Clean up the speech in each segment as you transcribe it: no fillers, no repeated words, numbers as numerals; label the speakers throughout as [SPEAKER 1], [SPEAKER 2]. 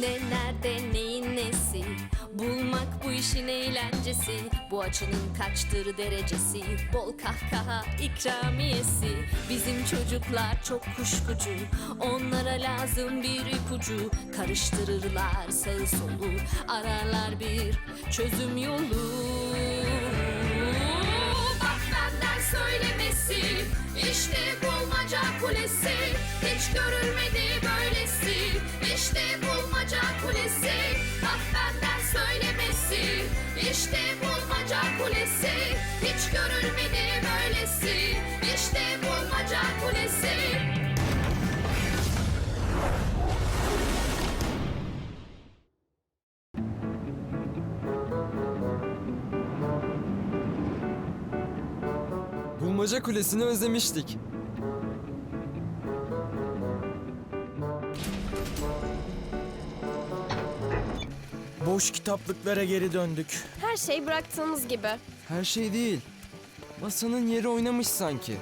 [SPEAKER 1] Ne nerede neyin nesi, bulmak bu işin eğlencesi. Bu açının kaçtır derecesi, bol kahkaha ikramiyesi. Bizim çocuklar çok kuşkucu, onlara lazım bir ipucu. Karıştırırlar sağı solu, ararlar bir çözüm yolu. Bak benden söylemesi, işte bulmaca kulesi. Hiç görülmedi böylesi, işte bulmaca kulesi. Bak benden söylemesi, işte bulmaca kulesi. Hiç görülmedi böylesi, işte bulmaca kulesi.
[SPEAKER 2] Bulmaca Kulesi'ni özlemiştik.
[SPEAKER 3] Boş kitaplıklara geri döndük.
[SPEAKER 4] Her şey bıraktığımız gibi.
[SPEAKER 2] Her şey değil. Masanın yeri oynamış sanki.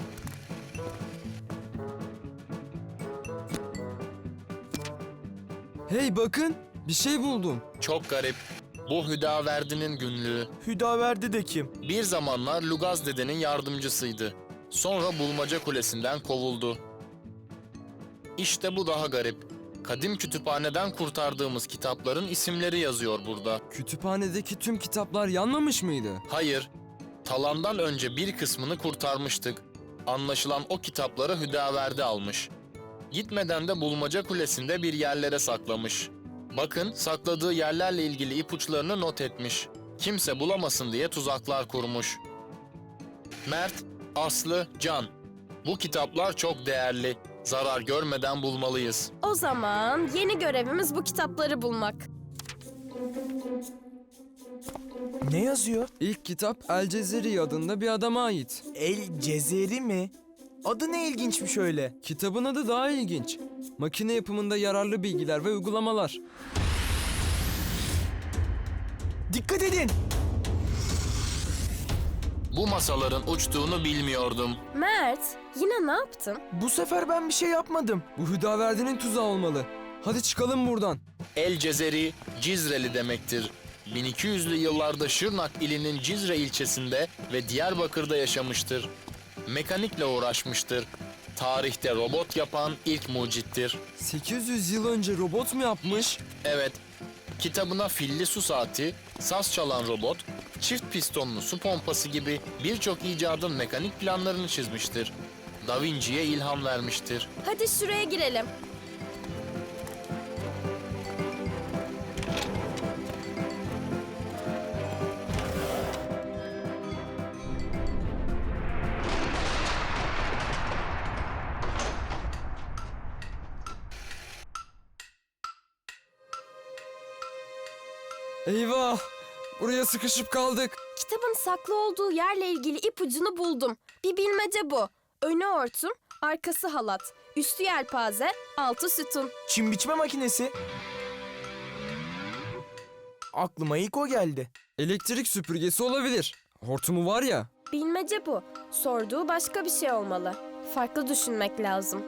[SPEAKER 2] Hey bakın, bir şey buldum.
[SPEAKER 5] Çok garip. Bu Hüdaverdi'nin günlüğü.
[SPEAKER 3] Hüdaverdi de kim?
[SPEAKER 5] Bir zamanlar Lugaz dedenin yardımcısıydı. Sonra Bulmaca Kulesi'nden kovuldu. İşte bu daha garip. Kadim kütüphaneden kurtardığımız kitapların isimleri yazıyor burada.
[SPEAKER 2] Kütüphanedeki tüm kitaplar yanmamış mıydı?
[SPEAKER 5] Hayır, talandan önce bir kısmını kurtarmıştık. Anlaşılan o kitapları Hüdaverdi almış. Gitmeden de Bulmaca Kulesi'nde bir yerlere saklamış. Bakın, sakladığı yerlerle ilgili ipuçlarını not etmiş. Kimse bulamasın diye tuzaklar kurmuş. Mert, Aslı, Can. Bu kitaplar çok değerli. Zarar görmeden bulmalıyız.
[SPEAKER 4] O zaman yeni görevimiz bu kitapları bulmak.
[SPEAKER 3] Ne yazıyor?
[SPEAKER 2] İlk kitap El Cezeri adında bir adama ait.
[SPEAKER 3] El Cezeri mi? Adı ne ilginçmiş öyle.
[SPEAKER 2] Kitabın adı daha ilginç. Makine yapımında yararlı bilgiler ve uygulamalar.
[SPEAKER 3] Dikkat edin!
[SPEAKER 5] Bu masaların uçtuğunu bilmiyordum.
[SPEAKER 4] Mert, yine ne yaptın?
[SPEAKER 3] Bu sefer ben bir şey yapmadım.
[SPEAKER 2] Bu Hüdaverdi'nin tuzağı olmalı. Hadi çıkalım buradan.
[SPEAKER 5] El Cezeri, Cizreli demektir. 1200'lü yıllarda Şırnak ilinin Cizre ilçesinde ve Diyarbakır'da yaşamıştır. Mekanikle uğraşmıştır. Tarihte robot yapan ilk mucittir.
[SPEAKER 2] 800 yıl önce robot mu yapmış?
[SPEAKER 5] Evet, kitabına filli su saati, saz çalan robot, çift pistonlu su pompası gibi birçok icadın mekanik planlarını çizmiştir. Da Vinci'ye ilham vermiştir.
[SPEAKER 4] Hadi şuraya girelim.
[SPEAKER 2] Eyvah! Buraya sıkışıp kaldık.
[SPEAKER 4] Kitabın saklı olduğu yerle ilgili ipucunu buldum. Bir bilmece bu. Önü örtüm, arkası halat, üstü yelpaze, altı sütun.
[SPEAKER 3] Çim biçme makinesi. Aklıma ilk o geldi.
[SPEAKER 2] Elektrik süpürgesi olabilir. Hortumu var ya.
[SPEAKER 4] Bilmece bu. Sorduğu başka bir şey olmalı. Farklı düşünmek lazım.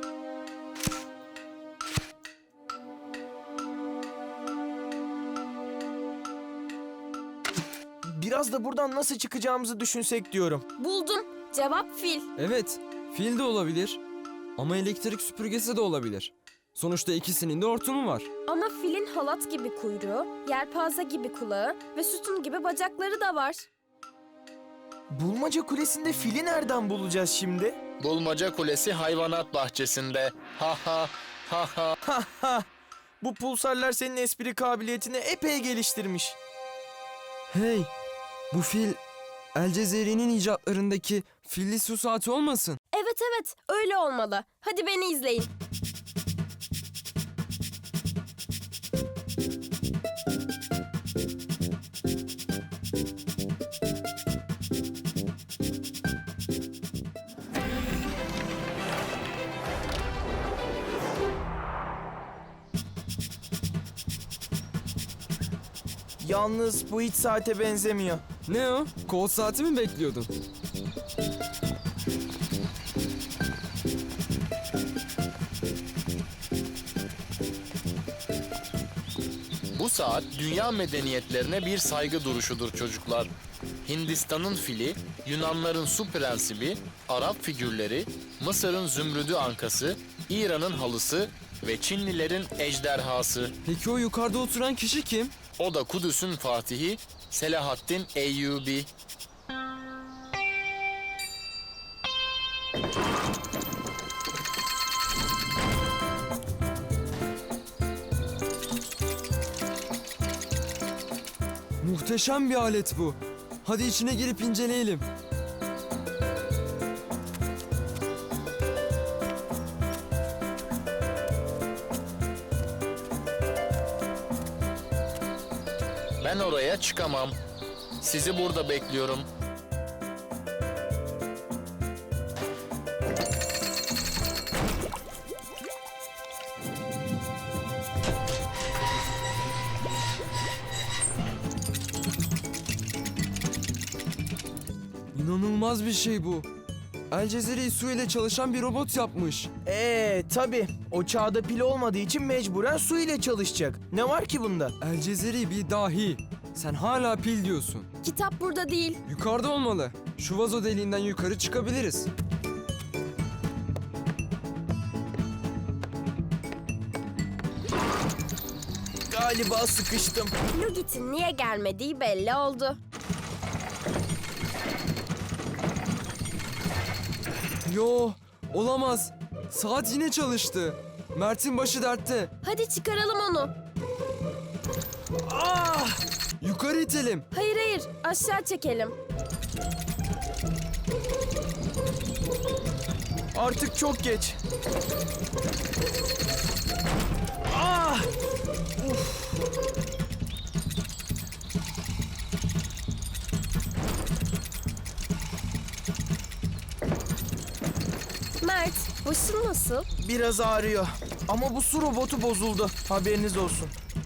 [SPEAKER 3] Biraz da buradan nasıl çıkacağımızı düşünsek diyorum.
[SPEAKER 4] Buldum. Cevap fil.
[SPEAKER 2] Evet, fil de olabilir. Ama elektrik süpürgesi de olabilir. Sonuçta ikisinin de hortumu var.
[SPEAKER 4] Ama filin halat gibi kuyruğu, yelpaze gibi kulağı ve sütun gibi bacakları da var.
[SPEAKER 3] Bulmaca Kulesi'nde fili nereden bulacağız şimdi?
[SPEAKER 5] Bulmaca Kulesi hayvanat bahçesinde. Ha ha ha ha.
[SPEAKER 3] Ha ha! Bu pulsarlar senin espri kabiliyetini epey geliştirmiş.
[SPEAKER 2] Hey, bu fil El Cezeri'nin icatlarındaki filli su saati olmasın?
[SPEAKER 4] Evet, öyle olmalı. Hadi beni izleyin.
[SPEAKER 3] Yalnız bu hiç saate benzemiyor.
[SPEAKER 2] Ne o? Kol saati mi bekliyordun?
[SPEAKER 5] saat dünya medeniyetlerine bir saygı duruşudur çocuklar. Hindistan'ın fili, Yunanların su prensibi, Arap figürleri, Mısır'ın zümrüdü ankası, İran'ın halısı ve Çinlilerin ejderhası.
[SPEAKER 2] Peki o yukarıda oturan kişi kim?
[SPEAKER 5] O da Kudüs'ün fatihi Selahaddin Eyyubi.
[SPEAKER 2] Muhteşem bir alet bu. Hadi içine girip inceleyelim.
[SPEAKER 5] Ben oraya çıkamam. Sizi burada bekliyorum.
[SPEAKER 2] İnanılmaz bir şey bu. El Cezeri su ile çalışan bir robot yapmış.
[SPEAKER 3] Tabii. O çağda pil olmadığı için mecburen su ile çalışacak. Ne var ki bunda?
[SPEAKER 2] El Cezeri bir dahi. Sen hala pil diyorsun.
[SPEAKER 4] Kitap burada değil.
[SPEAKER 2] Yukarıda olmalı. Şu vazo deliğinden yukarı çıkabiliriz.
[SPEAKER 3] Galiba sıkıştım.
[SPEAKER 4] Lugit'in niye gelmediği belli oldu.
[SPEAKER 2] Yo, olamaz. Saat yine çalıştı. Mert'in başı dertte.
[SPEAKER 4] Hadi çıkaralım onu.
[SPEAKER 2] Yukarı itelim.
[SPEAKER 4] Hayır hayır, aşağı çekelim.
[SPEAKER 3] Artık çok geç.
[SPEAKER 4] Mert, başın nasıl?
[SPEAKER 3] Biraz ağrıyor. Ama bu su robotu bozuldu. Haberiniz olsun.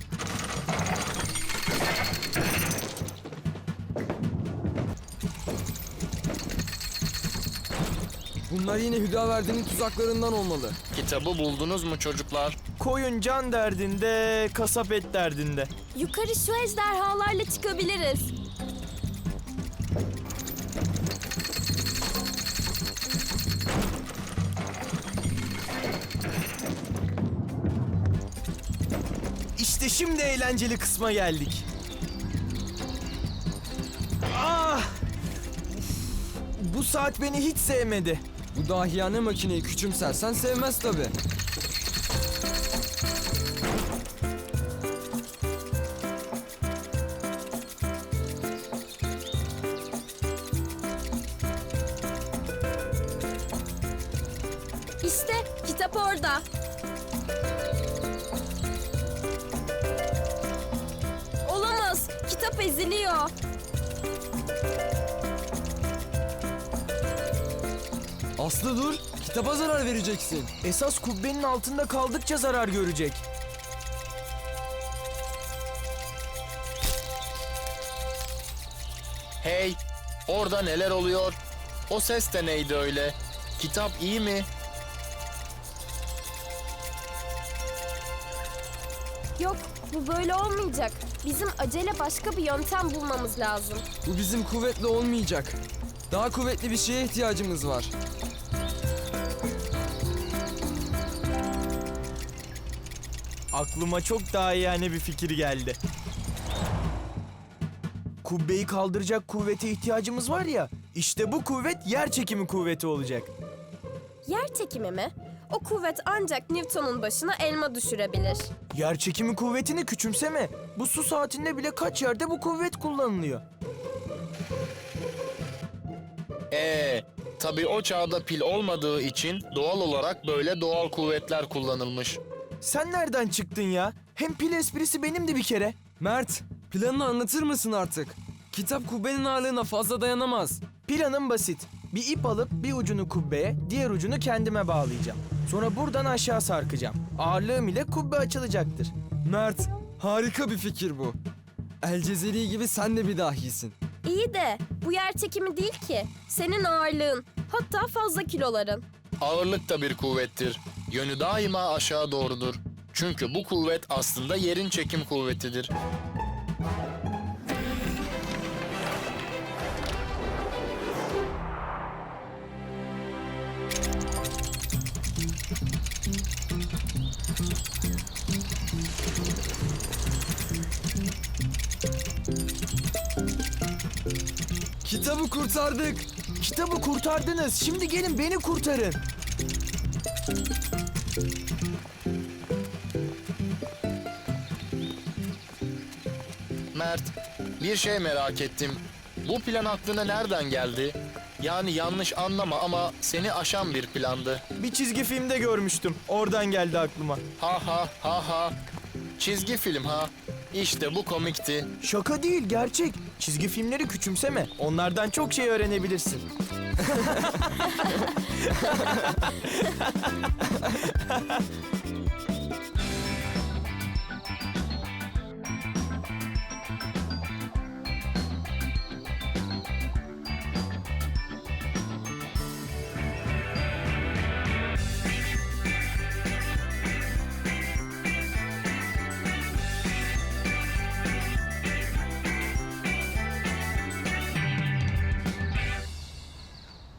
[SPEAKER 2] Bunlar yine Hüdaverdi'nin tuzaklarından olmalı.
[SPEAKER 5] Kitabı buldunuz mu çocuklar?
[SPEAKER 3] Koyun can derdinde, kasap et derdinde.
[SPEAKER 4] Yukarı şu ejderhalarla çıkabiliriz.
[SPEAKER 3] İşte şimdi eğlenceli kısma geldik. Bu saat beni hiç sevmedi.
[SPEAKER 2] Bu dahiyane makineyi küçümsersen sevmez tabii.
[SPEAKER 4] İşte kitap orada. Olamaz, kitap eziliyor.
[SPEAKER 2] Aslı dur, kitaba zarar vereceksin.
[SPEAKER 3] Esas kubbenin altında kaldıkça zarar görecek.
[SPEAKER 5] Hey, orada neler oluyor? O ses de neydi öyle? Kitap iyi mi?
[SPEAKER 4] Yok, bu böyle olmayacak. Bizim acele başka bir yöntem bulmamız lazım.
[SPEAKER 2] Bu bizim kuvvetli olmayacak. Daha kuvvetli bir şeye ihtiyacımız var.
[SPEAKER 3] Aklıma çok daha yani bir fikir geldi. Kubbeyi kaldıracak kuvvete ihtiyacımız var ya. İşte bu kuvvet yer çekimi kuvveti olacak.
[SPEAKER 4] Yer çekimi mi? O kuvvet ancak Newton'un başına elma düşürebilir.
[SPEAKER 3] Yer çekimi kuvvetini küçümseme. Bu su saatinde bile kaç yerde bu kuvvet kullanılıyor.
[SPEAKER 5] Tabii o çağda pil olmadığı için doğal olarak böyle doğal kuvvetler kullanılmış.
[SPEAKER 3] Sen nereden çıktın ya? Hem pil esprisi benimdi bir kere.
[SPEAKER 2] Mert, planını anlatır mısın artık? Kitap kubbenin ağırlığına fazla dayanamaz.
[SPEAKER 3] Planım basit. Bir ip alıp bir ucunu kubbeye, diğer ucunu kendime bağlayacağım. Sonra buradan aşağı sarkacağım. Ağırlığım ile kubbe açılacaktır.
[SPEAKER 2] Mert, harika bir fikir bu. El Cezeri gibi sen de bir dahisin.
[SPEAKER 4] İyi de bu yer çekimi değil ki. Senin ağırlığın, hatta fazla kiloların.
[SPEAKER 5] Ağırlık da bir kuvvettir. Yönü daima aşağı doğrudur. Çünkü bu kuvvet aslında yerin çekim kuvvetidir.
[SPEAKER 2] Kitabı kurtardık.
[SPEAKER 3] Kitabı kurtardınız. Şimdi gelin beni kurtarın.
[SPEAKER 5] Mert, bir şey merak ettim. Bu plan aklına nereden geldi? Yani yanlış anlama ama seni aşan bir plandı.
[SPEAKER 3] Bir çizgi filmde görmüştüm. Oradan geldi aklıma.
[SPEAKER 5] Ha ha ha ha. Çizgi film ha. İşte bu komikti.
[SPEAKER 3] Şaka değil, gerçek. Çizgi filmleri küçümseme. Onlardan çok şey öğrenebilirsin.